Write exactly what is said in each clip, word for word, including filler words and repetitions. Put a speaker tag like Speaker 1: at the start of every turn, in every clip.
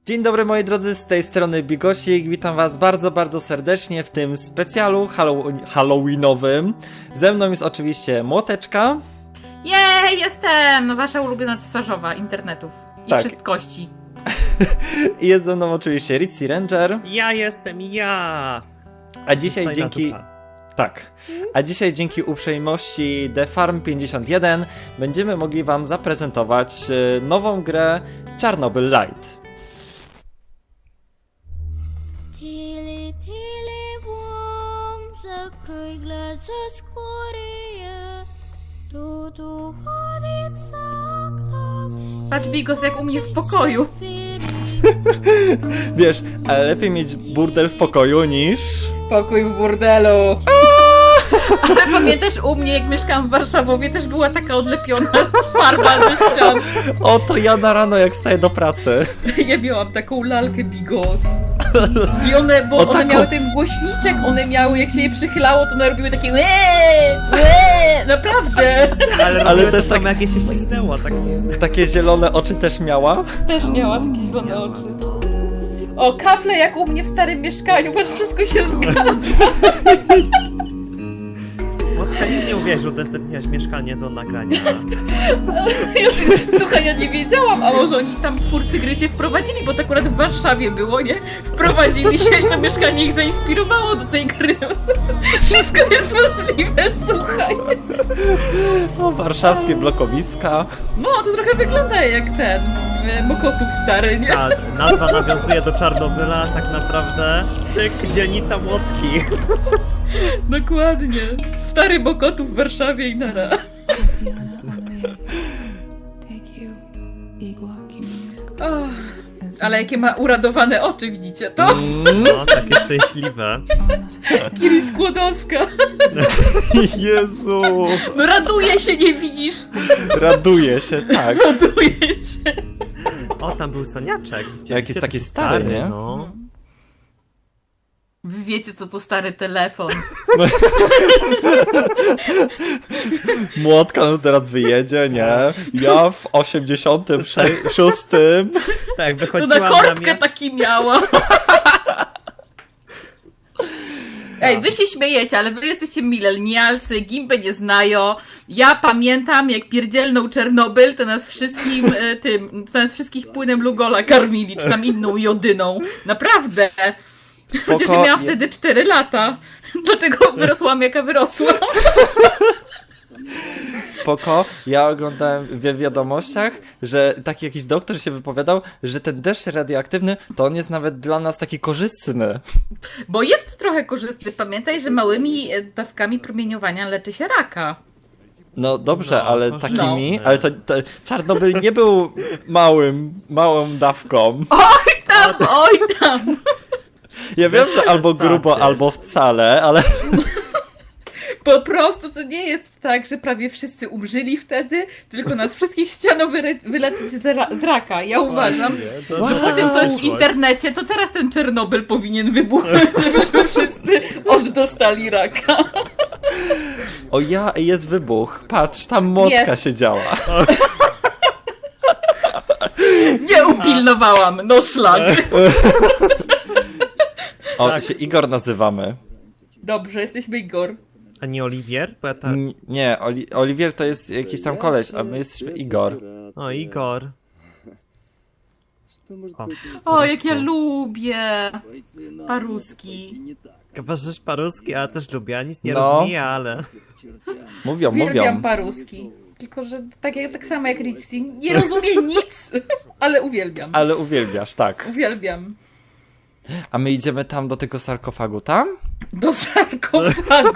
Speaker 1: Dzień dobry moi drodzy, z tej strony Bigosik, witam was bardzo, bardzo serdecznie w tym specjalu hallow- halloweenowym. Ze mną jest oczywiście Młoteczka.
Speaker 2: Jej, jestem! Wasza ulubiona cesarzowa internetów i
Speaker 1: Tak.
Speaker 2: wszystkości.
Speaker 1: I jest ze mną oczywiście Ritzy Ranger.
Speaker 3: Ja jestem ja!
Speaker 1: A dzisiaj
Speaker 3: Fajna
Speaker 1: dzięki...
Speaker 3: dupa.
Speaker 1: Tak. A dzisiaj dzięki uprzejmości The Farm pięćdziesiąt jeden będziemy mogli wam zaprezentować e, nową grę Chernobyl Light.
Speaker 4: Tili tili bum, закрой глаза скорее. Тут уходит за окном.
Speaker 2: Patrz, Bigos, jak u mnie w pokoju.
Speaker 1: Wiesz, ale lepiej mieć burdel w pokoju niż...
Speaker 2: Pokój w burdelu. Ale pamiętasz, u mnie, jak mieszkałam w Warszawowie, też była taka odlepiona farba ze ścian.
Speaker 1: Oto ja na rano jak wstaję do pracy.
Speaker 2: Ja miałam taką lalkę Bigos. I one, bo
Speaker 1: O,
Speaker 2: one
Speaker 1: taką-
Speaker 2: miały ten głośniczek, one miały, jak się je przychylało, to one robiły takie łeee, łeee, naprawdę.
Speaker 3: Ale,
Speaker 1: Ale
Speaker 3: ale
Speaker 1: też
Speaker 3: też
Speaker 1: tak-
Speaker 3: tak... jak się ścisnęło, tak...
Speaker 1: Takie zielone oczy też miała.
Speaker 2: Też miała takie zielone oczy. O, kafle jak u mnie w starym mieszkaniu, patrz, wszystko się zgadza.
Speaker 3: Motka nic nie uwierzył, udostępniłaś mieszkanie do nagrania.
Speaker 2: Słuchaj, ja nie wiedziałam, a może oni tam twórcy gry się wprowadzili, bo to akurat w Warszawie było, nie? Wprowadzili się i to mieszkanie ich zainspirowało do tej gry. Wszystko jest możliwe, słuchaj.
Speaker 1: O, warszawskie blokowiska.
Speaker 2: No, to trochę wygląda jak ten, e, Mokotów stary, nie?
Speaker 3: Ta nazwa nawiązuje do Czarnobyla, tak naprawdę. Cyk, dzielnica Młotki.
Speaker 2: Dokładnie. Stary Mokotów w Warszawie i nara. Oh, ale jakie ma uradowane oczy, widzicie to?
Speaker 1: Mm,
Speaker 3: No, takie szczęśliwe.
Speaker 2: Kiri Skłodowska.
Speaker 1: Jezu.
Speaker 2: No raduje się, nie widzisz?
Speaker 1: Raduje się, tak.
Speaker 2: Raduje się.
Speaker 3: O, tam był Soniaczek.
Speaker 1: Jak jest taki stary, nie?
Speaker 3: No.
Speaker 2: Wy wiecie, co to stary telefon.
Speaker 1: Młotka no teraz wyjedzie, nie? Ja w osiemdziesiątym szóstym.
Speaker 3: Tak,
Speaker 2: To
Speaker 3: wychodziłam
Speaker 2: na
Speaker 3: na
Speaker 2: korbkę
Speaker 3: mnie...
Speaker 2: taki miała. Ej, wy się śmiejecie, ale wy jesteście milenialcy, gimbę nie znają. Ja pamiętam, jak pierdzielnął Czernobyl, to nas wszystkim e, tym, to nas wszystkich płynem Lugola karmili, czy tam inną jodyną. Naprawdę. Chociaż ja miałam
Speaker 1: je-
Speaker 2: wtedy cztery lata. Dlatego wyrosłam, jaka wyrosłam.
Speaker 1: Spoko. Ja oglądałem w wiadomościach, że taki jakiś doktor się wypowiadał, że ten deszcz radioaktywny, to on jest nawet dla nas taki korzystny.
Speaker 2: Bo jest trochę korzystny. Pamiętaj, że małymi e, dawkami promieniowania leczy się raka.
Speaker 1: No dobrze,
Speaker 3: No,
Speaker 1: ale
Speaker 3: korzystny.
Speaker 1: takimi, ale to, to Czarnobyl nie był małym, małą dawką.
Speaker 2: Tam, oj tam.
Speaker 1: Ja wiem, że albo
Speaker 3: przesady.
Speaker 1: grubo, albo wcale, ale
Speaker 2: Po prostu to nie jest tak, że prawie wszyscy umrzyli wtedy, tylko nas wszystkich chciano wyre- wyleczyć z, ra- z raka. Ja uważam,
Speaker 3: To,
Speaker 2: że
Speaker 3: że
Speaker 2: po tym, co jest w internecie, to teraz ten Czernobyl powinien wybuchnąć, żebyśmy wszyscy oddostali raka.
Speaker 1: o ja, jest wybuch. Patrz, tam młotka
Speaker 2: Jest.
Speaker 1: siedziała.
Speaker 2: Nie upilnowałam, no szlak.
Speaker 1: O,
Speaker 3: Tak.
Speaker 1: się Igor nazywamy.
Speaker 2: Dobrze, jesteśmy Igor.
Speaker 3: A nie Oliwier? Bo ja tak...
Speaker 1: N- nie, Oli Oliwier to jest jakiś tam koleś, a my jesteśmy Igor.
Speaker 3: O, Igor. O,
Speaker 2: O, jak ja lubię paruski.
Speaker 3: Kabarzysz paruski, a ja też lubię, a nic nie
Speaker 1: No.
Speaker 3: rozumie, ale...
Speaker 1: Mówią,
Speaker 2: Uwielbiam
Speaker 1: mówią.
Speaker 2: paruski. Tylko, że tak, jak, tak samo jak Ritzy, nie rozumie nic, ale uwielbiam.
Speaker 1: Ale uwielbiasz, tak.
Speaker 2: Uwielbiam.
Speaker 1: A my idziemy tam do tego sarkofagu, tam?
Speaker 2: Do sarkofagu.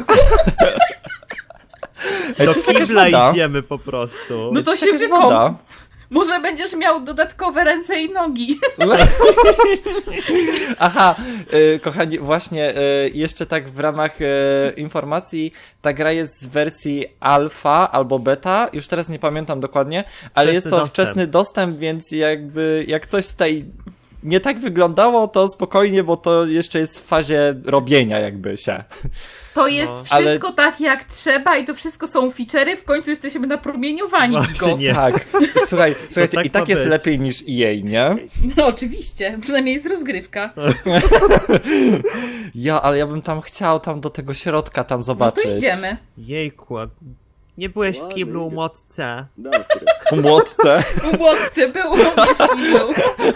Speaker 1: Ej,
Speaker 3: Do
Speaker 1: to jest jakaś
Speaker 3: kibla
Speaker 1: woda.
Speaker 3: idziemy po prostu.
Speaker 2: No to
Speaker 1: jest
Speaker 2: się
Speaker 1: jakaś
Speaker 2: wykąp.
Speaker 1: woda.
Speaker 2: Może będziesz miał dodatkowe ręce i nogi.
Speaker 1: Aha, y, kochani, właśnie y, jeszcze tak w ramach y, informacji, ta gra jest z wersji alfa albo beta, już teraz nie pamiętam dokładnie, ale
Speaker 3: Wczesny
Speaker 1: jest to
Speaker 3: dostęp.
Speaker 1: wczesny dostęp, więc jakby jak coś tutaj nie tak wyglądało, to spokojnie, bo to jeszcze jest w fazie robienia jakby się.
Speaker 2: To jest
Speaker 3: No.
Speaker 2: wszystko tak jak trzeba i to wszystko są feature'y, w końcu jesteśmy napromieniowani.
Speaker 3: Właśnie
Speaker 2: Bigos.
Speaker 3: nie.
Speaker 1: Tak, słuchaj, słuchajcie,
Speaker 3: tak
Speaker 1: i tak
Speaker 3: ma
Speaker 1: jest
Speaker 3: być.
Speaker 1: lepiej niż E A, nie?
Speaker 2: No oczywiście, przynajmniej jest rozgrywka.
Speaker 1: Ja, ale ja bym tam chciał tam do tego środka tam
Speaker 2: No
Speaker 1: zobaczyć.
Speaker 2: to idziemy.
Speaker 3: Jejku, a nie byłeś w kiblu młotce.
Speaker 1: Po młotce.
Speaker 2: U Łotce był, u mnie w kiblu.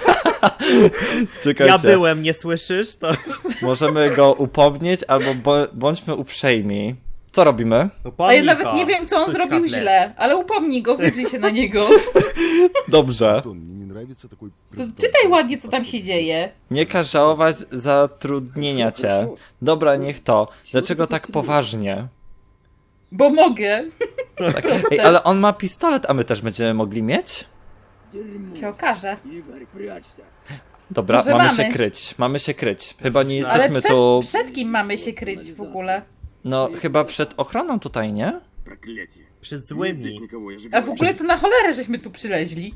Speaker 1: Czekajcie.
Speaker 3: Ja byłem, nie słyszysz? To...
Speaker 1: Możemy go upomnieć, albo bo, bądźmy uprzejmi. Co robimy?
Speaker 2: A ja nawet nie wiem, co on zrobił źle, ale upomnij go, wydrzyj się na niego.
Speaker 1: Dobrze.
Speaker 2: To czytaj ładnie, co tam się dzieje.
Speaker 1: Nie każ żałować zatrudnienia cię. Dobra, niech to. Dlaczego tak poważnie?
Speaker 2: Bo mogę.
Speaker 1: Tak. Ej, ale on ma pistolet, a my też będziemy mogli mieć?
Speaker 2: Się okaże.
Speaker 1: Dobra,
Speaker 2: Może
Speaker 1: mamy,
Speaker 2: mamy.
Speaker 1: się kryć. Mamy się kryć. Chyba nie
Speaker 2: Ale
Speaker 1: jesteśmy
Speaker 2: przed,
Speaker 1: tu...
Speaker 2: przed kim mamy się kryć w ogóle?
Speaker 1: No, chyba przed ochroną tutaj, nie?
Speaker 3: Przed złymi.
Speaker 2: A w ogóle to na cholerę żeśmy tu przyleźli.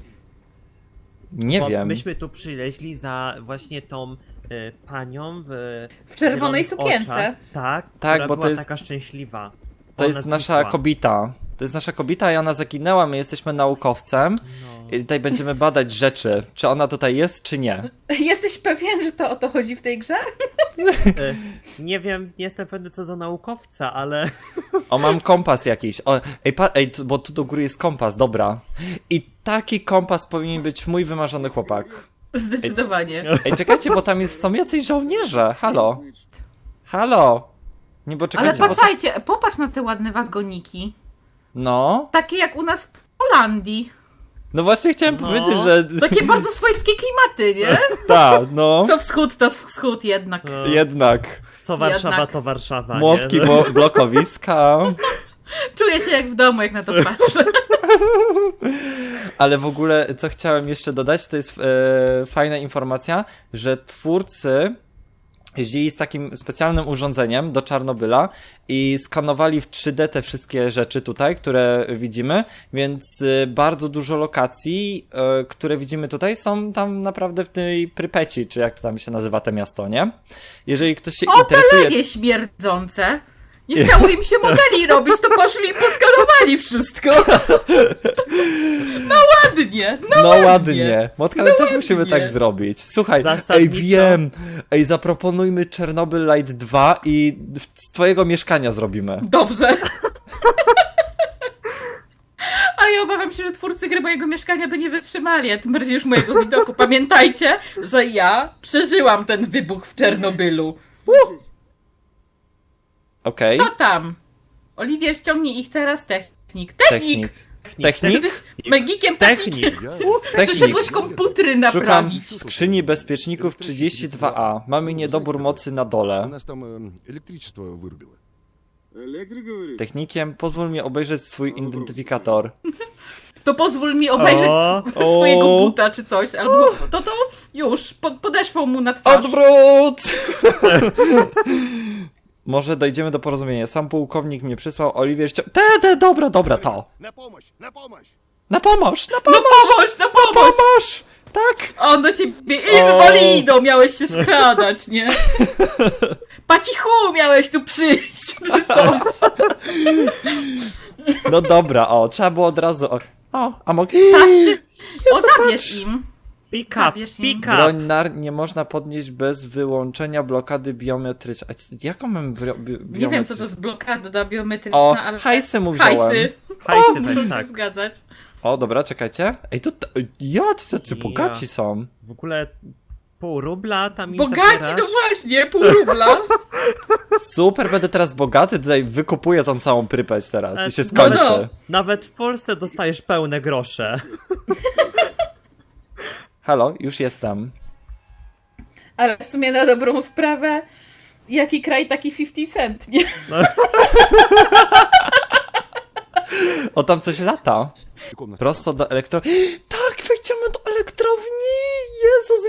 Speaker 1: Nie
Speaker 3: Bo
Speaker 1: wiem.
Speaker 3: myśmy tu przyleźli za właśnie tą y, panią w...
Speaker 2: W czerwonej
Speaker 3: zielonych
Speaker 2: sukience.
Speaker 3: oczach. Tak,
Speaker 1: Tak,
Speaker 3: która
Speaker 1: bo to
Speaker 3: była
Speaker 1: jest-
Speaker 3: taka szczęśliwa.
Speaker 1: To
Speaker 3: Ona
Speaker 1: jest nasza
Speaker 3: znikła.
Speaker 1: kobita. To jest nasza kobita i ona zaginęła, my jesteśmy naukowcem.
Speaker 3: No.
Speaker 1: I tutaj będziemy badać rzeczy. Czy ona tutaj jest, czy nie.
Speaker 2: Jesteś pewien, że to o to chodzi w tej grze?
Speaker 3: Y, nie wiem, nie jestem pewny co do naukowca, ale...
Speaker 1: O, mam kompas jakiś. O, ej, pa, ej, tu, bo tu do góry jest kompas, dobra. I taki kompas powinien być mój wymarzony chłopak.
Speaker 2: Zdecydowanie.
Speaker 1: Ej, czekajcie, bo tam jest, są jacyś żołnierze. Halo. Halo. Nie, bo
Speaker 2: Ale
Speaker 1: czekajcie, bo...
Speaker 2: patrzajcie, popatrz na te ładne wagoniki.
Speaker 1: No.
Speaker 2: Takie jak u nas w Holandii.
Speaker 1: No właśnie chciałem
Speaker 3: No.
Speaker 1: powiedzieć, że...
Speaker 2: Takie bardzo swojskie klimaty, nie?
Speaker 1: Ta, no.
Speaker 2: Co wschód, to wschód jednak.
Speaker 3: No,
Speaker 1: Jednak.
Speaker 3: co Warszawa,
Speaker 2: Jednak.
Speaker 3: to Warszawa,
Speaker 1: Młotki,
Speaker 3: nie?
Speaker 1: bo blokowiska.
Speaker 2: Czuję się jak w domu, jak na to patrzę.
Speaker 1: Ale w ogóle, co chciałem jeszcze dodać, to jest e, fajna informacja, że twórcy jeździli z takim specjalnym urządzeniem do Czarnobyla i skanowali w trzy D te wszystkie rzeczy tutaj, które widzimy, więc e, bardzo dużo lokacji, e, które widzimy tutaj, są tam naprawdę w tej Prypeci, czy jak to tam się nazywa te miasto, nie? Jeżeli ktoś się
Speaker 2: O, te
Speaker 1: interesuje...
Speaker 2: lewie śmierdzące. Nie chciało im się modeli robić, to poszli i poskanowali wszystko. No ładnie, no,
Speaker 1: No
Speaker 2: ładnie.
Speaker 1: ładnie. Motka, ale
Speaker 2: No
Speaker 1: też musimy
Speaker 2: ładnie.
Speaker 1: tak zrobić. Słuchaj,
Speaker 3: Zasadniczo-
Speaker 1: ej, wiem. Ej, zaproponujmy Czernobyl Light dwa i w- z twojego mieszkania zrobimy.
Speaker 2: Dobrze. Ale ja obawiam się, że twórcy gry mojego mieszkania by nie wytrzymali, a tym bardziej już mojego widoku. Pamiętajcie, że ja przeżyłam ten wybuch w Czernobylu.
Speaker 1: Okej.
Speaker 2: To tam. Oliwier, ściągnij ich teraz, technik. Technik!
Speaker 1: Technik. Technik?
Speaker 2: Jesteś magikiem, technik.
Speaker 3: Technik.
Speaker 2: Przyszedłeś komputery
Speaker 1: Szukam
Speaker 2: naprawić.
Speaker 1: skrzyni bezpieczników trzydzieści dwa A. Mamy niedobór mocy na
Speaker 5: У
Speaker 1: dole.
Speaker 5: нас там э, электричество вырубило.
Speaker 6: Электрик говорит?
Speaker 1: Technikiem, pozwól mi obejrzeć swój identyfikator.
Speaker 2: To pozwól mi obejrzeć
Speaker 3: O,
Speaker 2: sw- swojego
Speaker 1: o.
Speaker 2: buta czy coś, albo to to już, pod, podeszwą mu na twarz.
Speaker 1: Odwrót! Może dojdziemy do porozumienia. Sam pułkownik mnie przysłał, Oliwier ścią... Te, te, dobra, dobra, to.
Speaker 5: На помощь! На помощь!
Speaker 1: Na pomoc, na
Speaker 2: No
Speaker 1: pomoc,
Speaker 2: pomóż, no pomóż!
Speaker 1: pomóż! Tak!
Speaker 2: A on do ciebie
Speaker 1: O.
Speaker 2: invalido miałeś się skradać, nie? Pacichu miałeś tu przyjść, czy coś.
Speaker 1: No dobra, o, trzeba było od razu. O, o a mogę.
Speaker 2: Patrzy, o zabierz im.
Speaker 3: Pick up,
Speaker 2: Zabierz im.
Speaker 3: pick up.
Speaker 1: Broń nar nie można podnieść bez wyłączenia blokady biometrycznej. A c- jaką mam bro- bi biometryczną?
Speaker 2: Nie wiem, co to jest blokada biometryczna,
Speaker 1: O,
Speaker 2: ale...
Speaker 1: hajsy mu wziąłem.
Speaker 2: Hajsy.
Speaker 3: Hajsy
Speaker 2: Muszę
Speaker 3: weź,
Speaker 2: się
Speaker 3: tak.
Speaker 2: zgadzać.
Speaker 1: O, dobra, czekajcie. Ej, to. t- Ja, to tacy
Speaker 3: Ja.
Speaker 1: bogaci są.
Speaker 3: W ogóle pół rubla tam im
Speaker 2: Bogaci,
Speaker 3: zabierasz.
Speaker 2: no właśnie, pół rubla.
Speaker 1: Super, będę teraz bogaty, tutaj wykupuję tą całą Prypeć teraz i się
Speaker 3: No,
Speaker 1: skończy.
Speaker 2: no.
Speaker 3: Nawet w Polsce dostajesz pełne grosze.
Speaker 1: Halo, już jestem.
Speaker 2: Ale w sumie na dobrą sprawę, jaki kraj, taki fifty cent, nie?
Speaker 1: O, tam coś lata.
Speaker 5: Комната.
Speaker 1: Prosto do elektro... Tak, wejdziemy do elektrowni! Jezus,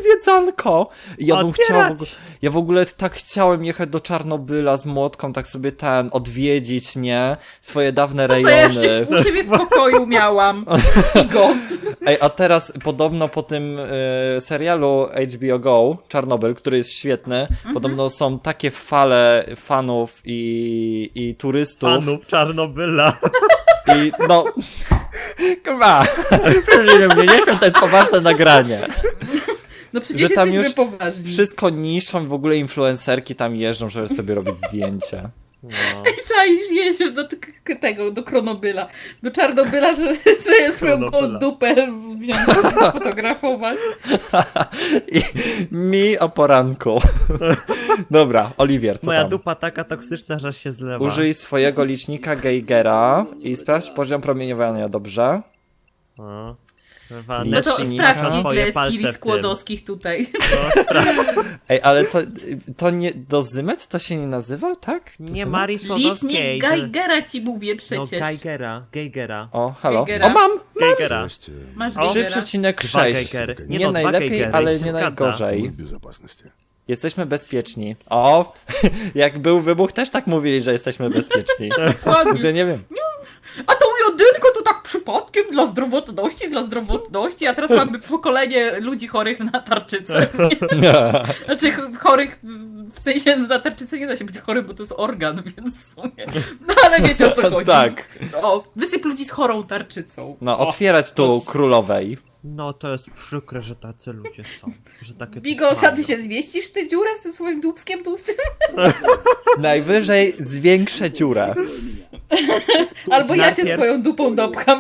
Speaker 1: zwiedzanko. I ja bym chciał w
Speaker 3: Otwierać.
Speaker 1: ogóle, ja w ogóle tak chciałem jechać do Czarnobyla z młotką, tak sobie ten, odwiedzić, nie? Swoje dawne
Speaker 2: To co ja już
Speaker 1: rejony.
Speaker 2: u siebie w pokoju miałam. Bigos.
Speaker 1: Ej, a teraz podobno po tym y, serialu H B O Go, Czarnobyl, który jest świetny,
Speaker 2: Mhm.
Speaker 1: podobno są takie fale fanów i, i turystów.
Speaker 3: Panów Czarnobyla.
Speaker 1: I no... Kurwa, proszę mnie, nie wiem, to jest poważne nagranie.
Speaker 2: No przecież
Speaker 1: Że tam
Speaker 2: jesteśmy
Speaker 1: już
Speaker 2: poważni.
Speaker 1: Wszystko niszczą, w ogóle influencerki tam jeżdżą, żeby sobie robić zdjęcia.
Speaker 3: No.
Speaker 2: Czaisz, jedziesz do t- k- tego, do Kronobyla, do Czarnobyla, żeby sobie swoją
Speaker 3: Kronobyla.
Speaker 2: gołą dupę wziąć, sfotografować.
Speaker 1: I mi o poranku. Dobra, Oliwier, co
Speaker 3: Moja
Speaker 1: tam?
Speaker 3: dupa taka toksyczna, że się zlewa.
Speaker 1: Użyj swojego licznika Geigera i sprawdź poziom promieniowania, dobrze?
Speaker 3: O.
Speaker 2: No to
Speaker 1: Licznika.
Speaker 2: sprawdź, ile
Speaker 3: Swoje
Speaker 2: jest
Speaker 3: palce
Speaker 2: kili
Speaker 3: w tym.
Speaker 2: skłodowskich tutaj.
Speaker 1: Ej, ale to, to nie, dozymet to się nie nazywa, tak?
Speaker 3: Nie
Speaker 1: Dozymet?
Speaker 3: Marii
Speaker 2: Licznik
Speaker 3: Słodowskiej.
Speaker 2: Geigera ci mówię
Speaker 3: No
Speaker 2: przecież.
Speaker 3: Geigera, Geigera.
Speaker 1: O, halo.
Speaker 2: Geigera.
Speaker 1: O, mam!
Speaker 3: Geigera.
Speaker 5: Здрасте.
Speaker 2: Masz
Speaker 3: O.
Speaker 1: trzy
Speaker 2: Geigera.
Speaker 1: przecinek
Speaker 3: Dwa
Speaker 1: sześć.
Speaker 3: Geigery.
Speaker 1: Nie,
Speaker 3: Nie no, dwa
Speaker 1: najlepiej,
Speaker 3: Geigery,
Speaker 1: ale
Speaker 3: się
Speaker 1: nie
Speaker 3: zgadza.
Speaker 5: Мы
Speaker 1: najgorzej.
Speaker 5: в безопасности.
Speaker 1: Jesteśmy bezpieczni. O, jak był wybuch, też tak mówili, że jesteśmy bezpieczni.
Speaker 2: Dokładnie.
Speaker 1: Więc ja nie wiem.
Speaker 2: A tą jedynkę to tak przypadkiem dla zdrowotności, dla zdrowotności, a teraz mamy pokolenie ludzi chorych na tarczycę. Znaczy ch- chorych, w sensie na tarczycę nie da się być chorym, bo to jest organ, więc w sumie. No ale wiecie o co chodzi.
Speaker 1: Tak.
Speaker 2: O, wysyp ludzi z chorą tarczycą.
Speaker 1: No,
Speaker 2: O.
Speaker 1: otwierać tu królowej.
Speaker 3: No to jest przykre, że tacy ludzie są. Że takie
Speaker 2: Bigos,
Speaker 3: coś
Speaker 2: a ty się zmieścisz w tę dziurę z tym swoim dupskiem tłustym?
Speaker 1: Najwyżej zwiększę dziurę.
Speaker 2: Albo ja cię
Speaker 3: Najpierw-
Speaker 2: swoją dupą dopcham.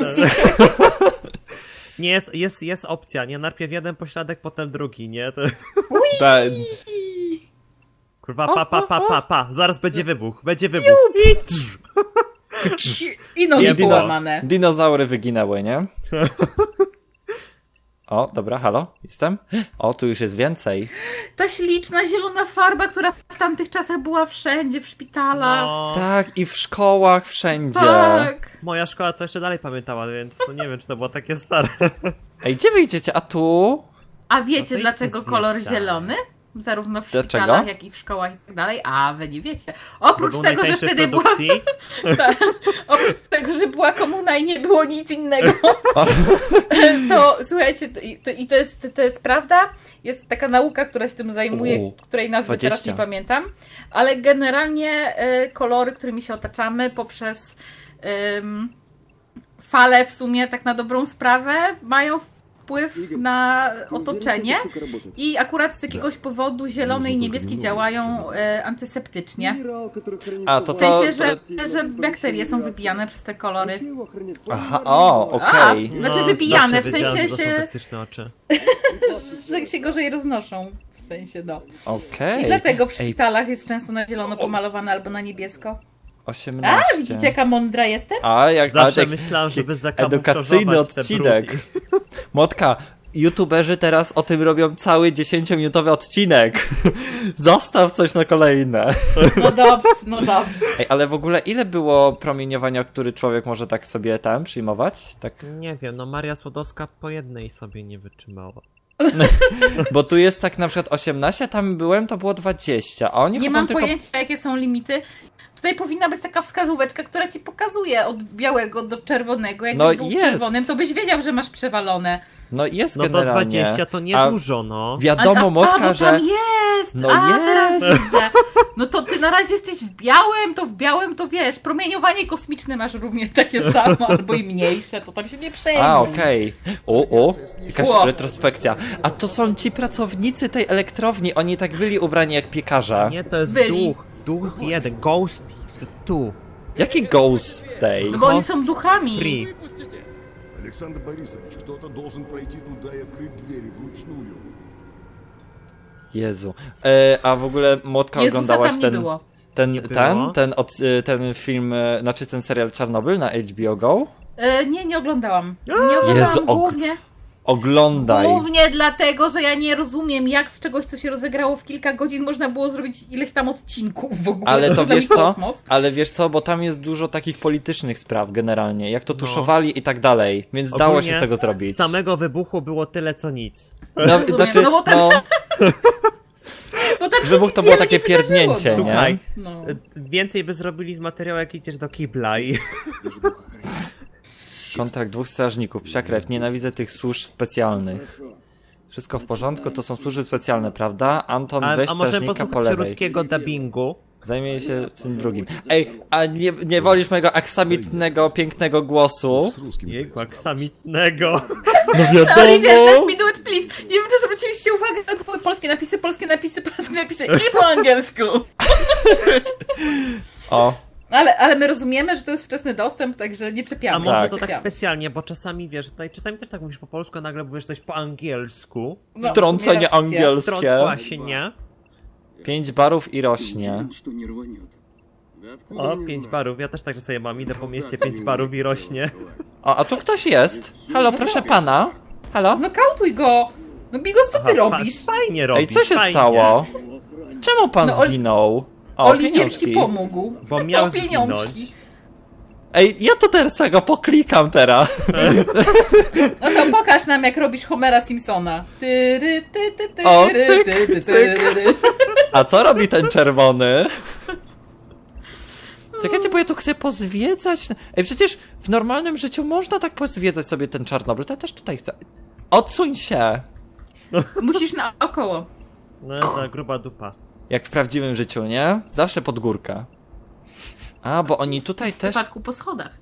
Speaker 3: Nie, jest, jest, jest opcja, nie? Najpierw jeden pośladek, potem drugi, nie? To...
Speaker 1: Ten.
Speaker 3: Kurwa, pa, pa, pa, pa, pa. Zaraz będzie wybuch, będzie wybuch.
Speaker 2: I nogi
Speaker 1: dino-
Speaker 2: połamane.
Speaker 1: Dinozaury wyginęły, nie? O, dobra, halo, jestem? O, tu już jest więcej.
Speaker 2: Ta śliczna zielona farba, która w tamtych czasach była wszędzie, w szpitalach.
Speaker 3: No,
Speaker 1: Tak, i w szkołach wszędzie.
Speaker 2: Tak.
Speaker 3: moja szkoła to jeszcze dalej pamiętała, więc no nie wiem, czy to było takie stare.
Speaker 1: Ej, gdzie wyjdziecie? A tu?
Speaker 2: A
Speaker 3: No
Speaker 2: wiecie
Speaker 3: to
Speaker 2: dlaczego
Speaker 3: idźmy
Speaker 2: kolor
Speaker 3: zwiedzać.
Speaker 2: zielony? Zarówno w
Speaker 1: Dlaczego?
Speaker 2: szpitalach, jak i w szkołach i tak dalej. A, wy nie wiecie. Oprócz
Speaker 3: Był
Speaker 2: tego, że
Speaker 3: najtańszy w
Speaker 2: wtedy była,
Speaker 3: produkcji.
Speaker 2: oprócz tego, że była komuna i nie było nic innego, to słuchajcie, to, i, to, i to, jest, to jest prawda. Jest taka nauka, która się tym zajmuje,
Speaker 1: U,
Speaker 2: której nazwy teraz
Speaker 1: dwadzieścia.
Speaker 2: nie pamiętam, ale generalnie y, kolory, którymi się otaczamy poprzez ym, fale w sumie tak na dobrą sprawę mają wpływ na otoczenie i akurat z jakiegoś powodu zielony i niebieskie działają e, antyseptycznie.
Speaker 1: A, to
Speaker 2: W
Speaker 1: to...
Speaker 2: sensie, że, że bakterie są wybijane przez te kolory.
Speaker 1: Aha, o, okej.
Speaker 2: A, znaczy wypijane,
Speaker 3: zawsze
Speaker 2: w sensie
Speaker 3: wiedziałem, że to są
Speaker 2: się,
Speaker 3: toksyczne oczy.
Speaker 2: że się gorzej roznoszą. W sensie, no.
Speaker 1: Okej.
Speaker 2: I dlatego w
Speaker 1: Ej,
Speaker 2: szpitalach jest często na zielono pomalowane albo na niebiesko.
Speaker 1: osiemnaście.
Speaker 2: A, widzicie jaka mądra jestem?
Speaker 1: A, jak
Speaker 3: Zawsze
Speaker 1: ale tak-
Speaker 3: myślałem, żeby
Speaker 1: edukacyjny
Speaker 3: zakamuflować te
Speaker 1: odcinek.
Speaker 3: brudy.
Speaker 1: Motka, youtuberzy teraz o tym robią cały dziesięciominutowy odcinek. Zostaw coś na kolejne.
Speaker 2: No dobrze, no dobrze.
Speaker 1: Ej, ale w ogóle ile było promieniowania, który człowiek może tak sobie tam przyjmować? Tak,
Speaker 3: Nie wiem, no Maria Słodowska po jednej sobie nie wytrzymała.
Speaker 1: bo tu jest tak na przykład osiemnaście, tam byłem, to było dwadzieścia, a oni
Speaker 2: Nie
Speaker 1: chodzą
Speaker 2: mam
Speaker 1: tylko...
Speaker 2: pojęcia, jakie są limity. Tutaj powinna być taka wskazóweczka, która ci pokazuje od białego do czerwonego. Jakbyś
Speaker 1: No
Speaker 2: był w
Speaker 1: jest.
Speaker 2: czerwonym, to byś wiedział, że masz przewalone.
Speaker 1: No jest
Speaker 3: No to
Speaker 1: generalnie.
Speaker 3: dwadzieścia to nie
Speaker 1: A
Speaker 3: dużo, no.
Speaker 1: Wiadomo,
Speaker 2: a,
Speaker 1: Motka,
Speaker 2: a, bo
Speaker 1: że...
Speaker 2: tam jest!
Speaker 1: No
Speaker 2: a,
Speaker 1: jest.
Speaker 2: teraz widzę. No to ty na razie jesteś w białym, to w białym to wiesz, promieniowanie kosmiczne masz równie takie samo, albo i mniejsze, to tam się nie przejmuj.
Speaker 1: A, okej. O, o, jakaś
Speaker 2: Ło.
Speaker 1: retrospekcja. A to są ci pracownicy tej elektrowni, oni tak byli ubrani jak piekarze.
Speaker 3: Nie, to jest
Speaker 2: Byli.
Speaker 3: duch. Duch jeden, ghost tu.
Speaker 1: Jaki ghost tej?
Speaker 2: No bo oni są duchami.
Speaker 3: Free.
Speaker 5: Александр Борисович, кто-то должен пройти туда и открыть двери вручную.
Speaker 1: Jezu. E, a w ogóle, Motka,
Speaker 2: Jezusa
Speaker 1: oglądałaś
Speaker 2: tam nie
Speaker 1: ten,
Speaker 2: było.
Speaker 1: ten,
Speaker 3: Nie
Speaker 1: ten,
Speaker 3: było?
Speaker 1: ten, od, e, ten film, e, znaczy ten serial Czarnobyl na H B O Go?
Speaker 2: E, nie, nie oglądałam. Nie oglądałam
Speaker 1: Jezu, og-
Speaker 2: głównie.
Speaker 1: Oglądaj.
Speaker 2: Głównie dlatego, że ja nie rozumiem, jak z czegoś, co się rozegrało w kilka godzin, można było zrobić ileś tam odcinków w ogóle.
Speaker 1: Ale to
Speaker 2: dla
Speaker 1: wiesz
Speaker 2: mnie
Speaker 1: co?
Speaker 2: kosmos.
Speaker 1: Ale wiesz co, bo tam jest dużo takich politycznych spraw generalnie, jak to
Speaker 3: No.
Speaker 1: tuszowali i tak dalej, więc dało się
Speaker 3: Ogólnie
Speaker 1: z tego zrobić.
Speaker 3: Z samego wybuchu było tyle co nic.
Speaker 1: No,
Speaker 2: Rozumiem,
Speaker 1: znaczy,
Speaker 2: no bo tam-
Speaker 1: no,
Speaker 2: Bo tam się
Speaker 1: wybuch
Speaker 2: nic
Speaker 1: to było
Speaker 2: wiele
Speaker 1: takie
Speaker 2: nie wydarzyło,
Speaker 1: pierdnięcie,
Speaker 2: no.
Speaker 1: nie?
Speaker 3: Słuchaj,
Speaker 2: No.
Speaker 3: więcej by zrobili z materiału, jak idziesz do kibla i...
Speaker 1: Kontrakt dwóch strażników, psia krew, nienawidzę tych służb specjalnych. Wszystko w porządku, to są służby specjalne, prawda? Anton,
Speaker 3: A,
Speaker 1: weź
Speaker 3: a może
Speaker 1: strażnika po
Speaker 3: posłuchać
Speaker 1: lewej.
Speaker 3: ruskiego dubbingu?
Speaker 1: Zajmie się tym drugim. Ej, a nie, nie wolisz mojego aksamitnego, pięknego głosu?
Speaker 5: С русским.
Speaker 3: Jejku, aksamitnego.
Speaker 1: No
Speaker 2: Oliwier, let me do it, please. Nie wiem, czy zwróciliście uwagę, ale były polskie napisy, polskie napisy, polskie napisy i po angielsku.
Speaker 1: O,
Speaker 2: Ale, ale my rozumiemy, że to jest wczesny dostęp, także nie czepiamy.
Speaker 3: A może
Speaker 1: Tak.
Speaker 3: to tak
Speaker 2: Czepiamy.
Speaker 3: specjalnie, bo czasami wiesz, tutaj czasami też tak mówisz po polsku, a nagle mówisz coś po angielsku.
Speaker 2: No,
Speaker 1: wtrącenie
Speaker 2: w sumie racja.
Speaker 3: Wtrąd
Speaker 1: angielskie.
Speaker 3: właśnie.
Speaker 1: Pięć barów i rośnie.
Speaker 6: Что не рванет.
Speaker 5: Да откуда
Speaker 3: O,
Speaker 5: мне
Speaker 3: pięć
Speaker 5: знать?
Speaker 3: barów. Ja też tak, że sobie mam, idę po mieście, pięć barów i rośnie.
Speaker 1: O, a tu ktoś jest. Halo, proszę pana. Halo?
Speaker 2: Znokautuj go! No Bigos, co ty
Speaker 3: Aha,
Speaker 2: robisz?
Speaker 3: pa- Fajnie robisz,
Speaker 1: Ej, co się
Speaker 3: fajnie.
Speaker 1: stało? Czemu pan
Speaker 2: No, Ol-
Speaker 1: zginął? O,
Speaker 2: Oliwier ci
Speaker 1: pieniążki.
Speaker 2: pomógł.
Speaker 3: Bo miał
Speaker 2: o pieniążki.
Speaker 3: zginąć.
Speaker 1: Ej, ja to teraz tego poklikam teraz.
Speaker 2: No to pokaż nam, jak robisz Homera Simpsona. Tyry, ty, ty, ty,
Speaker 1: O,
Speaker 2: ry,
Speaker 1: cyk,
Speaker 2: ty, ty,
Speaker 1: cyk.
Speaker 2: tyry.
Speaker 1: A co robi ten czerwony? Czekajcie, bo ja tu chcę pozwiedzać. Ej, przecież w normalnym życiu można tak pozwiedzać sobie ten Czarnobyl. To ja też tutaj chcę. Odsuń się.
Speaker 2: Musisz naokoło.
Speaker 3: No, ta gruba dupa.
Speaker 1: Jak w prawdziwym życiu, nie? Zawsze pod górkę. A, bo oni tutaj
Speaker 2: W
Speaker 1: też...
Speaker 2: przypadku po schodach.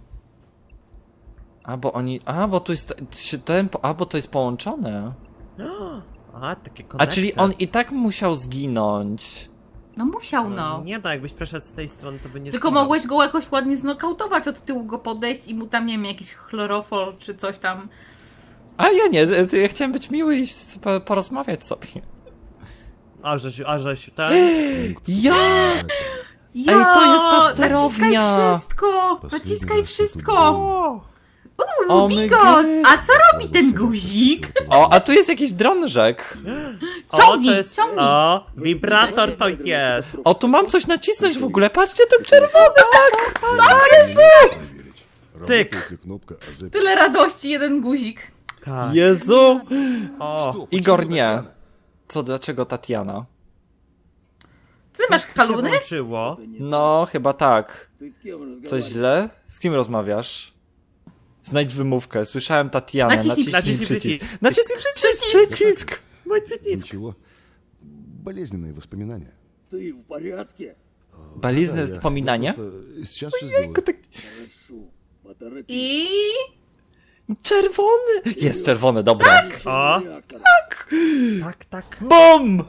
Speaker 1: A, bo oni... A, bo tu jest... się Ten... A, bo to jest połączone.
Speaker 3: A, takie
Speaker 1: A,
Speaker 3: konekty.
Speaker 1: czyli on i tak musiał zginąć.
Speaker 2: No musiał,
Speaker 3: No,
Speaker 2: no.
Speaker 3: nie no, jakbyś przeszedł z tej strony, to by nie
Speaker 2: Tylko
Speaker 3: zginął.
Speaker 2: mogłeś go jakoś ładnie znokautować, od tyłu go podejść i mu tam, nie wiem, jakiś chlorofol czy coś tam.
Speaker 1: A ja nie, ja chciałem być miły i po- porozmawiać sobie.
Speaker 3: A żeś, a żeś, ten...
Speaker 1: Ja!
Speaker 2: Ja,
Speaker 1: Ej, to jest ta sterownia!
Speaker 2: Naciskaj wszystko!
Speaker 5: Последний
Speaker 2: Naciskaj
Speaker 5: раз я тут
Speaker 2: wszystko!
Speaker 5: был.
Speaker 2: Uuu,
Speaker 1: O my
Speaker 2: Bigos!
Speaker 1: God.
Speaker 2: A co robi ten guzik?
Speaker 1: O, a tu jest jakiś drążek.
Speaker 2: Ciągnij,
Speaker 3: o, to jest,
Speaker 2: ciągnij.
Speaker 3: O, wibrator to jest.
Speaker 1: O, tu mam coś nacisnąć w ogóle. Patrzcie, ten czerwony, tak!
Speaker 5: Проверить,
Speaker 3: Cyk.
Speaker 5: работает ли кнопка АЗ.
Speaker 2: Tyle radości, jeden guzik.
Speaker 3: Tak.
Speaker 1: Jezu!
Speaker 3: O,
Speaker 5: Что,
Speaker 1: Igor
Speaker 5: почему
Speaker 1: nie.
Speaker 5: Татьяна?
Speaker 1: Co, dlaczego Tatiana?
Speaker 2: Ty masz
Speaker 3: się
Speaker 2: haluny?
Speaker 3: włączyło.
Speaker 1: No, chyba tak.
Speaker 6: Ты с кем разговариваешь?
Speaker 1: Coś źle? Z kim rozmawiasz? Znajdź wymówkę. Słyszałem Tatianę.
Speaker 2: Naciśnij
Speaker 1: Naciśnij
Speaker 3: przycisk.
Speaker 1: przycisk. Naciśnij przycisk.
Speaker 2: Przycisk.
Speaker 1: Przycisk.
Speaker 3: Mój przycisk.
Speaker 5: Ничего. Болезненные воспоминания.
Speaker 6: Ты в порядке?
Speaker 1: Balizne
Speaker 5: Да, я-
Speaker 1: wspominanie?
Speaker 5: я просто Сейчас все сделаю.
Speaker 1: Tak...
Speaker 6: Хорошо. Поторопись.
Speaker 2: I...
Speaker 1: Czerwony! Jest czerwony, dobra.
Speaker 3: O,
Speaker 6: Реактор.
Speaker 3: tak, tak.
Speaker 1: BOM!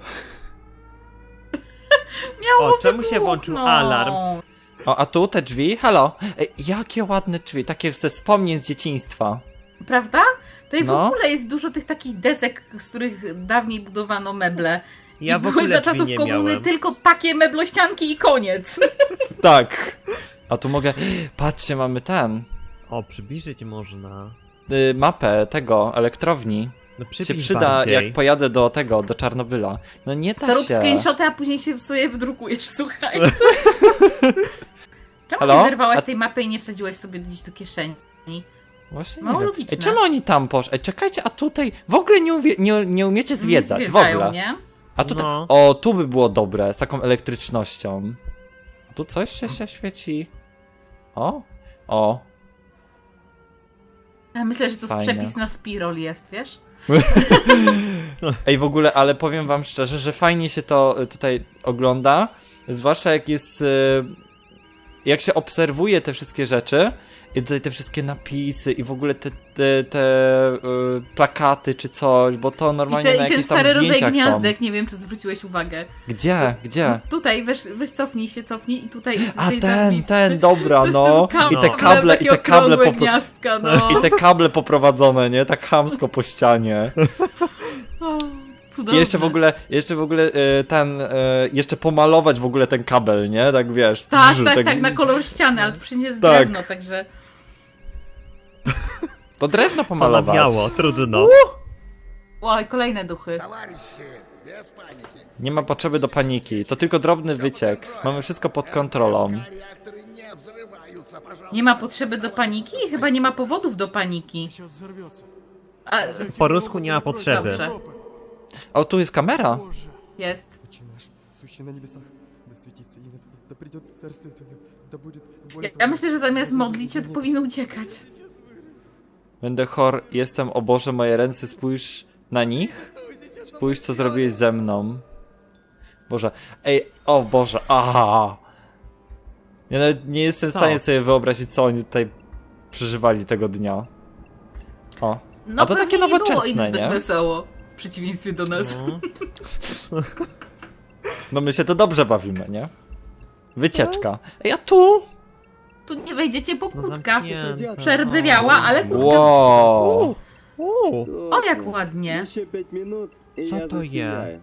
Speaker 2: Miało
Speaker 3: O, czemu się włączył
Speaker 2: wybuchnąć.
Speaker 3: alarm?
Speaker 1: O, a tu te drzwi? Halo? Ej, jakie ładne drzwi, takie ze wspomnień z dzieciństwa.
Speaker 2: Prawda? Tutaj
Speaker 1: No.
Speaker 2: w ogóle jest dużo tych takich desek, z których dawniej budowano meble.
Speaker 3: Ja
Speaker 2: I
Speaker 3: w
Speaker 2: były
Speaker 3: ogóle
Speaker 2: za
Speaker 3: drzwi
Speaker 2: czasów
Speaker 3: nie
Speaker 2: komuny
Speaker 3: miałem.
Speaker 2: tylko takie meblościanki i koniec.
Speaker 1: Tak. A tu mogę... Patrzcie, mamy ten...
Speaker 3: O, przybliżyć można.
Speaker 1: Y, mapę tego, elektrowni.
Speaker 3: No
Speaker 1: Się
Speaker 3: przybliż
Speaker 1: przyda,
Speaker 3: bardziej.
Speaker 1: jak pojadę do tego, do Czarnobyla. No nie da
Speaker 2: To rób
Speaker 1: się.
Speaker 2: screenshoty, a później się sobie wydrukujesz, słuchaj. Czemu
Speaker 1: Halo?
Speaker 2: nie zerwałaś
Speaker 1: A-
Speaker 2: tej mapy i nie wsadziłaś sobie gdzieś do kieszeni?
Speaker 1: Właśnie
Speaker 2: Mało
Speaker 1: nie wiem.
Speaker 2: logiczne.
Speaker 1: Ej, czemu oni tam poszli? Ej, czekajcie, a tutaj w ogóle nie, uwie... nie, nie umiecie zwiedzać,
Speaker 2: Nie
Speaker 1: w
Speaker 2: zwiedzają,
Speaker 1: ogóle.
Speaker 2: nie?
Speaker 1: A tutaj...
Speaker 3: No.
Speaker 1: O, tu by było dobre, z taką elektrycznością. A tu coś się, się świeci. O, o.
Speaker 2: Ja myślę, że to jest
Speaker 1: Fajne.
Speaker 2: przepis na spirol jest, wiesz?
Speaker 1: Ej, w ogóle, ale powiem wam szczerze, że fajnie się to y, tutaj ogląda, zwłaszcza jak jest, y, jak się obserwuje te wszystkie rzeczy i tutaj te wszystkie napisy i w ogóle te, te, te y, plakaty czy coś, bo to
Speaker 2: I,
Speaker 1: normalnie
Speaker 2: te,
Speaker 1: na
Speaker 2: i ten
Speaker 1: jakichś tam
Speaker 2: stary rodzaj
Speaker 1: zdjęciach są.
Speaker 2: gniazdek, nie wiem, czy zwróciłeś uwagę.
Speaker 1: Gdzie? Gdzie?
Speaker 2: Tutaj, weź, weź cofnij się, cofnij i tutaj...
Speaker 1: A
Speaker 2: tutaj
Speaker 1: ten,
Speaker 2: tablic.
Speaker 1: ten, dobra,
Speaker 2: To jest
Speaker 1: no.
Speaker 2: ten kam-
Speaker 1: I te
Speaker 3: no.
Speaker 1: kable, i
Speaker 2: takie
Speaker 1: te kable
Speaker 2: okrągłe
Speaker 1: popro-
Speaker 2: gniazdka, no.
Speaker 1: i te kable poprowadzone, nie? Tak chamsko po ścianie.
Speaker 2: O,
Speaker 1: I
Speaker 2: cudowne.
Speaker 1: jeszcze w ogóle, jeszcze w ogóle y, ten, y, jeszcze pomalować w ogóle ten kabel, nie? Tak wiesz.
Speaker 2: Tak,
Speaker 1: brz,
Speaker 2: tak, tak, na kolor ściany, ale to wszędzie jest
Speaker 1: Tak.
Speaker 2: drewno, także...
Speaker 1: To drewno
Speaker 3: To na
Speaker 1: pomalować.
Speaker 3: biało, trudno.
Speaker 2: Oj, kolejne duchy.
Speaker 5: Товарищи, без паники.
Speaker 1: Nie ma potrzeby do paniki, to tylko drobny wyciek. Mamy wszystko pod kontrolą.
Speaker 5: Реакторы не взрываются, пожалуйста.
Speaker 2: Nie ma potrzeby do paniki? Chyba nie ma powodów do paniki. A,
Speaker 3: Po rusku nie ma potrzeby.
Speaker 2: dobrze,
Speaker 1: O, tu jest kamera.
Speaker 2: jest.
Speaker 7: Отче наш, сущий на небесах, да светится имя Твое, да придет царствие Твое, да будет воля
Speaker 2: Ja,
Speaker 7: Твоя.
Speaker 2: ja myślę, że zamiast modlić się, to powinno uciekać.
Speaker 1: Będę chor, jestem, o Boże, moje ręce, spójrz na nich. Spójrz, co zrobiłeś ze mną. Boże, ej, o Boże, aha. Ja nawet nie jestem w
Speaker 3: Co?
Speaker 1: stanie sobie wyobrazić, co oni tutaj przeżywali tego dnia. O,
Speaker 2: No
Speaker 1: a to
Speaker 2: pewnie
Speaker 1: takie
Speaker 2: nie było im
Speaker 1: nowoczesne,
Speaker 2: zbyt
Speaker 1: nie?
Speaker 2: wesoło. W przeciwieństwie do nas.
Speaker 3: No.
Speaker 1: No my się to dobrze bawimy, nie? Wycieczka. Ej, a tu?
Speaker 2: Tu nie wejdziecie, bo
Speaker 3: No
Speaker 2: kurtka
Speaker 3: zamknięte.
Speaker 2: przerdzewiała, ale kurtka...
Speaker 1: Wow.
Speaker 3: Uuu,
Speaker 2: O, jak ładnie.
Speaker 6: Еще пять минут, и
Speaker 3: Co
Speaker 6: я
Speaker 3: to
Speaker 6: засияю.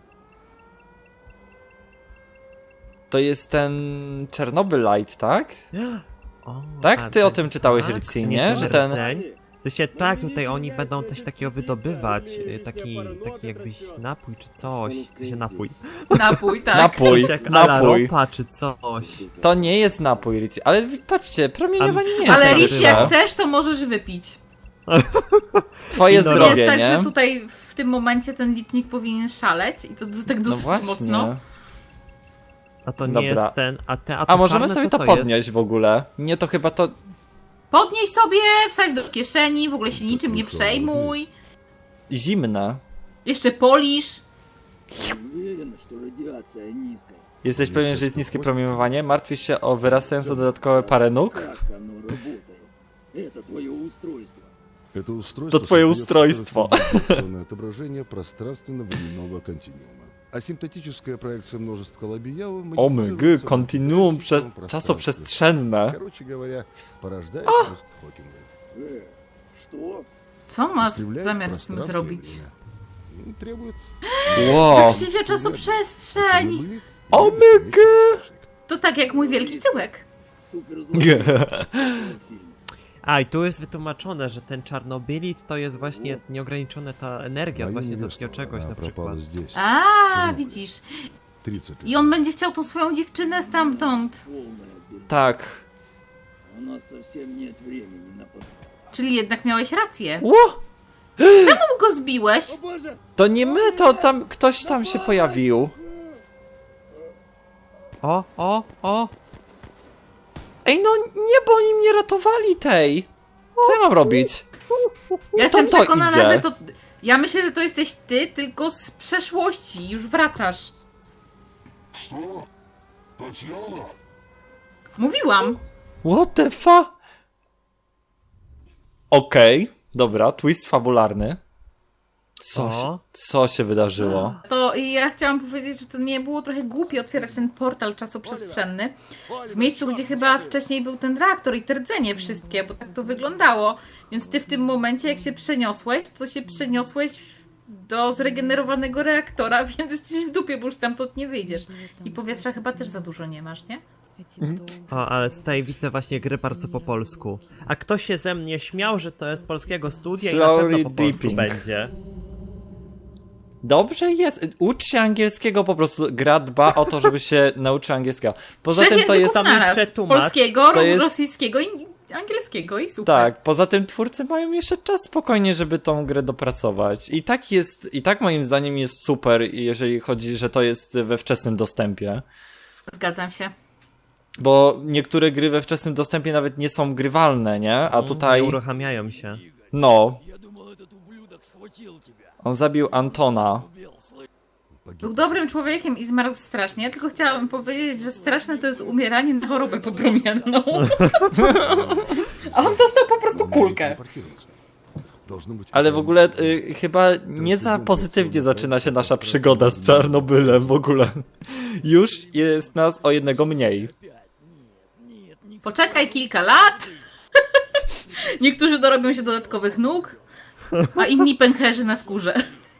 Speaker 1: To jest ten Czernobylite, tak?
Speaker 3: O,
Speaker 1: Tak?
Speaker 3: a
Speaker 1: Ty o
Speaker 3: ten-
Speaker 1: tym czytałeś,
Speaker 3: tak,
Speaker 1: Ritzy,
Speaker 3: nie
Speaker 1: nie? Że ten...
Speaker 3: rdzeń. W sensie tak, tutaj oni będą coś takiego wydobywać, y, taki, taki jakbyś napój czy coś, w sensie napój.
Speaker 2: Napój, tak.
Speaker 1: Napój,
Speaker 3: Coś jak a la
Speaker 1: napój.
Speaker 3: ropa czy coś.
Speaker 1: To nie jest napój, Ritzy. Ale patrzcie, promieniowanie nie jest
Speaker 2: Ale
Speaker 1: takie
Speaker 2: Rich,
Speaker 1: złe.
Speaker 2: jak chcesz, to możesz wypić.
Speaker 1: Twoje
Speaker 3: No
Speaker 2: To nie
Speaker 1: zdrowie,
Speaker 2: jest tak,
Speaker 1: nie?
Speaker 2: że tutaj w tym momencie ten licznik powinien szaleć i to d- tak
Speaker 1: No
Speaker 2: dosyć
Speaker 1: właśnie.
Speaker 2: mocno.
Speaker 3: A to nie
Speaker 1: Dobra.
Speaker 3: jest ten, a te, a to
Speaker 1: A możemy
Speaker 3: czarne,
Speaker 1: sobie
Speaker 3: co
Speaker 1: to
Speaker 3: jest?
Speaker 1: podnieść w ogóle? Nie, to chyba to...
Speaker 2: Podnieś sobie, wsadź do kieszeni, w ogóle się niczym nie przejmuj.
Speaker 1: Zimne.
Speaker 2: Jeszcze polisz.
Speaker 6: Уверен, что радиация низкая.
Speaker 1: Jesteś pewien, że jest niskie promieniowanie? Martwisz się o wyrastające dodatkowe parę nóg?
Speaker 6: Как оно работает? Это твое устройство.
Speaker 5: Это устройство
Speaker 1: To twoje
Speaker 5: создает
Speaker 1: устройство.
Speaker 5: трансцендентальное отображение пространственно-временного континуума. Асимптотическая проекция множества Лабияу
Speaker 1: O my gy, kontinuum przez czasoprzestrzenne.
Speaker 5: Короче говоря, порождает рост Хокинга.
Speaker 6: Э, что?
Speaker 2: Co ma
Speaker 5: Искривляет
Speaker 2: zamiar z tym
Speaker 5: пространство и
Speaker 2: zrobić?
Speaker 5: время. И Требует...
Speaker 1: Wow.
Speaker 2: Zakrzywia czasoprzestrzeń.
Speaker 1: O my gy.
Speaker 2: To tak jak mój wielki tyłek.
Speaker 6: Суперзлой.
Speaker 3: A i tu jest wytłumaczone, że ten czarnobylit to jest właśnie nieograniczona ta energia,
Speaker 5: Моя
Speaker 3: właśnie do
Speaker 5: невеста,
Speaker 3: takiego czegoś
Speaker 5: она
Speaker 3: na przykład.
Speaker 5: пропала здесь.
Speaker 2: A, widzisz.
Speaker 5: тридцать лет.
Speaker 2: I on będzie chciał tą swoją dziewczynę stamtąd.
Speaker 6: Полная без...
Speaker 1: Tak.
Speaker 6: У нас совсем нет времени на под...
Speaker 2: Czyli jednak miałeś rację.
Speaker 1: Ło!
Speaker 2: Czemu go zbiłeś?
Speaker 1: To nie my, to tam ktoś tam się pojawił.
Speaker 3: O, o, o!
Speaker 1: Ej, no nie, bo oni mnie ratowali tej. Co ja mam robić?
Speaker 2: Ja jestem
Speaker 1: to
Speaker 2: przekonana,
Speaker 1: idzie?
Speaker 2: że to... Ja myślę, że to jesteś ty, tylko z przeszłości. Już wracasz. Mówiłam.
Speaker 1: What the fuck? Okej, dobra, twist fabularny. Co
Speaker 3: O.
Speaker 1: się, co się wydarzyło?
Speaker 2: To ja chciałam powiedzieć, że to nie było trochę głupie otwierać ten portal czasoprzestrzenny w miejscu, gdzie chyba wcześniej był ten reaktor i te rdzenie wszystkie, bo tak to wyglądało. Więc ty w tym momencie, jak się przeniosłeś, to się przeniosłeś do zregenerowanego reaktora, więc jesteś w dupie, bo już stamtąd nie wyjdziesz. I powietrza chyba też za dużo nie masz, nie?
Speaker 3: O, ale tutaj widzę właśnie gry bardzo po polsku. A ktoś się ze mnie śmiał, że to jest polskiego studia i na
Speaker 1: Slowly
Speaker 3: pewno po polsku
Speaker 1: dipping.
Speaker 3: będzie.
Speaker 1: Dobrze jest. Ucz się angielskiego po prostu. Gra dba o to, żeby się nauczył angielskiego. Poza
Speaker 2: Trzech
Speaker 1: tym to jest...
Speaker 2: języków naraz.
Speaker 3: przetłumacz.
Speaker 2: Polskiego,
Speaker 1: To jest-
Speaker 2: rosyjskiego i angielskiego i super.
Speaker 1: Tak, poza tym twórcy mają jeszcze czas spokojnie, żeby tą grę dopracować. I tak jest, i tak moim zdaniem jest super, jeżeli chodzi, że to jest we wczesnym dostępie.
Speaker 2: Zgadzam się.
Speaker 1: Bo niektóre gry we wczesnym dostępie nawet nie są grywalne, nie? A tutaj,
Speaker 3: Nie uruchamiają się.
Speaker 1: no,
Speaker 6: Я думал, этот ублюдок схватил тебя.
Speaker 1: on zabił Antona.
Speaker 6: Убил, слышь.
Speaker 2: Był dobrym człowiekiem i zmarł strasznie, tylko chciałabym powiedzieć, że straszne to jest umieranie na chorobę podpromienną. A on dostał po prostu kulkę.
Speaker 5: Должно быть...
Speaker 1: Ale w ogóle y, chyba nie za pozytywnie zaczyna się nasza przygoda z Czarnobylem w ogóle. Już jest nas o jednego mniej.
Speaker 2: Poczekaj kilka lat. Niektórzy dorobią się dodatkowych nóg, a inni pęcherzy na skórze.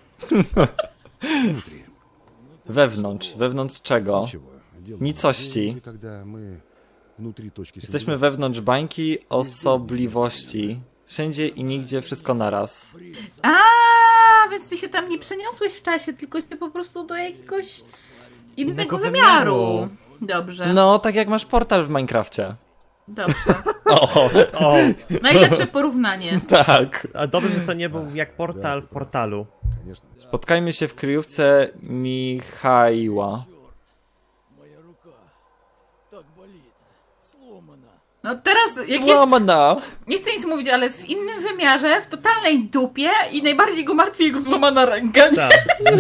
Speaker 1: Wewnątrz. Wewnątrz czego?
Speaker 5: Ничего. Дело
Speaker 1: Nicości.
Speaker 5: когда мы внутри точки
Speaker 1: Jesteśmy wewnątrz bańki osobliwości. Wszędzie i nigdzie, wszystko naraz.
Speaker 2: A, więc ty się tam nie przeniosłeś w czasie, tylko się po prostu do jakiegoś innego
Speaker 3: Innego
Speaker 2: wymiaru.
Speaker 3: wymiaru.
Speaker 2: Dobrze,
Speaker 1: No, tak jak masz portal w Minecrafcie.
Speaker 2: dobrze.
Speaker 1: O,
Speaker 3: O,
Speaker 2: Najlepsze porównanie.
Speaker 1: tak.
Speaker 3: a dobrze, że to nie był jak portal w portalu.
Speaker 5: Конечно.
Speaker 1: Spotkajmy się w kryjówce Michaiła.
Speaker 6: Моя рука так болит, сломана.
Speaker 2: No teraz, jak jest,
Speaker 1: Złamana!
Speaker 2: nie chcę nic mówić, ale jest w innym wymiarze, w totalnej dupie i najbardziej go martwi jego złamana ręka.
Speaker 3: Tak.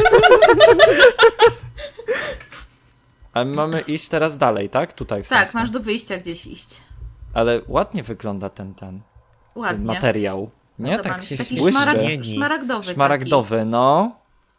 Speaker 1: A my mamy iść teraz dalej, tak? Tutaj w
Speaker 2: Tak,
Speaker 1: sensie.
Speaker 2: masz do wyjścia gdzieś iść.
Speaker 1: Ale ładnie wygląda ten, ten, ten
Speaker 2: Ładnie.
Speaker 1: materiał. Nie?
Speaker 2: To
Speaker 1: Tak
Speaker 2: mam
Speaker 1: się
Speaker 2: taki
Speaker 1: błyszczy.
Speaker 2: szmarag,
Speaker 3: Zmieni.
Speaker 2: szmaragdowy.
Speaker 1: Szmaragdowy, no.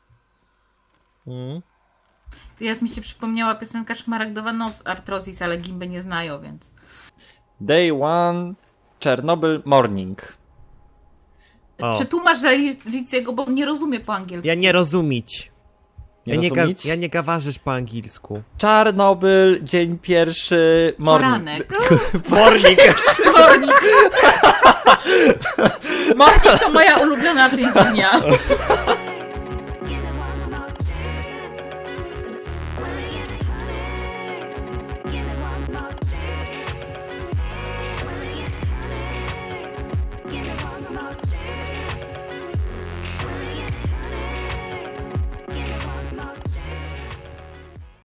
Speaker 3: Mm.
Speaker 2: Taki. Teraz mi się przypomniała piosenka Szmaragdowa Noc Artrozis, ale gimby nie znają, więc...
Speaker 1: Day one, Chernobyl morning.
Speaker 3: O.
Speaker 2: Przetłumacz dla Ricciego, bo on nie rozumie po angielsku.
Speaker 3: Ja nie rozumieć.
Speaker 1: Nie
Speaker 3: ja, nie ga,
Speaker 1: rozumieć?
Speaker 3: ja nie gawarzysz po angielsku.
Speaker 1: Czarnobyl, dzień pierwszy, morning.
Speaker 2: Poranek.
Speaker 3: Morning!
Speaker 2: Morning. Morning to moja ulubiona część dnia.